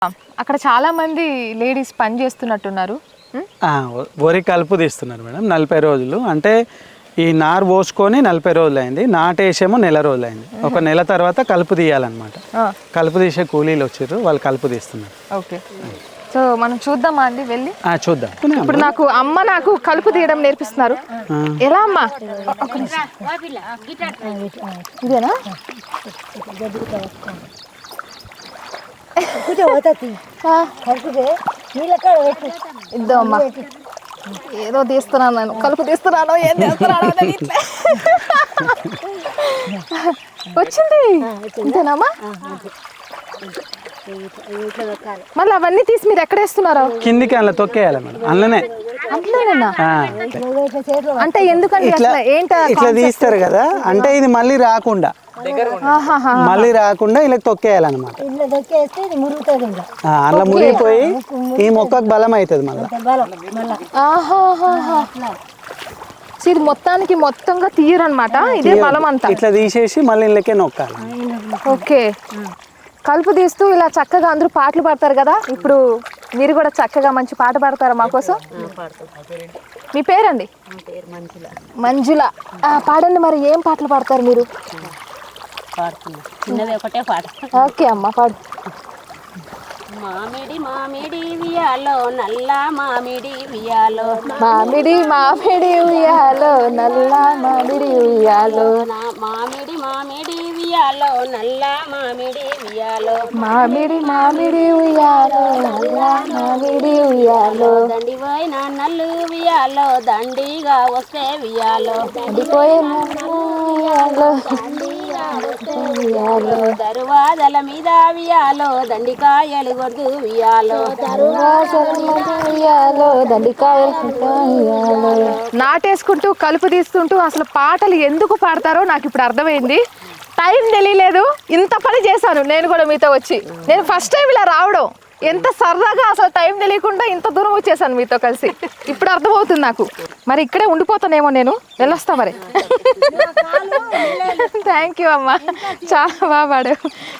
అక్కడ చాలా మంది లేడీస్ పని చేస్తున్నట్టున్నారు. వరి కలుపు తీస్తున్నారు మేడం. 40 రోజులు అంటే ఈ నారు పోసుకొని 40 రోజులు అయింది, నాటేసేమో నెల రోజులు అయింది. ఒక నెల తర్వాత కలుపు తీయాలన్నమాట. కలుపు తీసే కూలీలు వచ్చారు, వాళ్ళు కలుపు తీస్తున్నారు. ఓకే, సో మనం చూద్దామా అండి వెళ్ళి? చూద్దాం. ఇప్పుడు నాకు కలుపు తీయడం నేర్పిస్తున్నారు. ఎలా అమ్మా? ఇదేనా? ఇద్దామమ్మా. ఏదో తీస్తున్నాను నేను, కలుపు తీస్తున్నాను, ఏం చేస్తున్నాను వచ్చింది. ఇంతేనామా? మళ్ళీ అవన్నీ తీసి మీరు ఎక్కడ వేస్తున్నారో? కిందికి అలా తొక్కేయాలి మేడం. అందులోనే అంటే ఎందుకంటే ఇట్లా తీస్తారు కదా, అంటే ఇది మళ్ళీ రాకుండా ఇలా తొక్కేయాలన్నమాట. అలా మురిగిపోయి ఈ మొక్కకు బలం అవుతుంది మళ్ళీ. ఇది మొత్తంగా తీయరు అనమాట, ఇదే బలం అంతా. ఇట్లా తీసేసి మళ్ళీ ఇళ్ళకే నొక్కాలి. ఓకే, కలుపు తీస్తూ ఇలా చక్కగా అందరూ పాటలు పాడతారు కదా. ఇప్పుడు మీరు కూడా చక్కగా మంచి పాట పాడతారా మా కోసం? మీ పేరండి? మంజుల. పాడండి మరి, ఏం పాటలు పాడతారు మీరు? ఒకటే పాట. ఓకే అమ్మ, పాడు. మామిడి మామిడి ఉయ్యాలో నల్ల మామిడి ఉయ్యాలో, మామిడి మామిడి ఉయ్యాలో నల్ల మామిడి ఉయ్యాలో, మామిడి మామిడి ఉయ్యాలో నల్ల మామిడి ఉయ్యాలో, మామిడి మామిడి ఉయ్యాలో నల్ల మామిడి ఉయ్యాలో, దండిపోయిన నల్లు ఉయ్యాలో దండిగా వస్తే ఉయ్యాలో, దండిపోయిన దరువాదల మీద ఉయ్యాలో దండికాయలు కొడుతూ ఉయ్యాలో, నాటేసుకుంటూ కలుపు తీస్తుంటూ అసలు పాటలు ఎందుకు పాడతారో నాకు ఇప్పుడు అర్థమైంది. టైం తెలియలేదు, ఇంత పని చేశాను నేను కూడా మీతో వచ్చి. నేను ఫస్ట్ టైం ఇలా రావడం, ఎంత సరదాగా, అసలు టైం తెలియకుండా ఇంత దూరం వచ్చేసాను మీతో కలిసి. ఇప్పుడు అర్థమవుతుంది నాకు. మరి ఇక్కడే ఉండిపోతానేమో, నేను వెళ్ళొస్తా మరి. థ్యాంక్ యూ అమ్మా, చాలా బాగా పాడావు.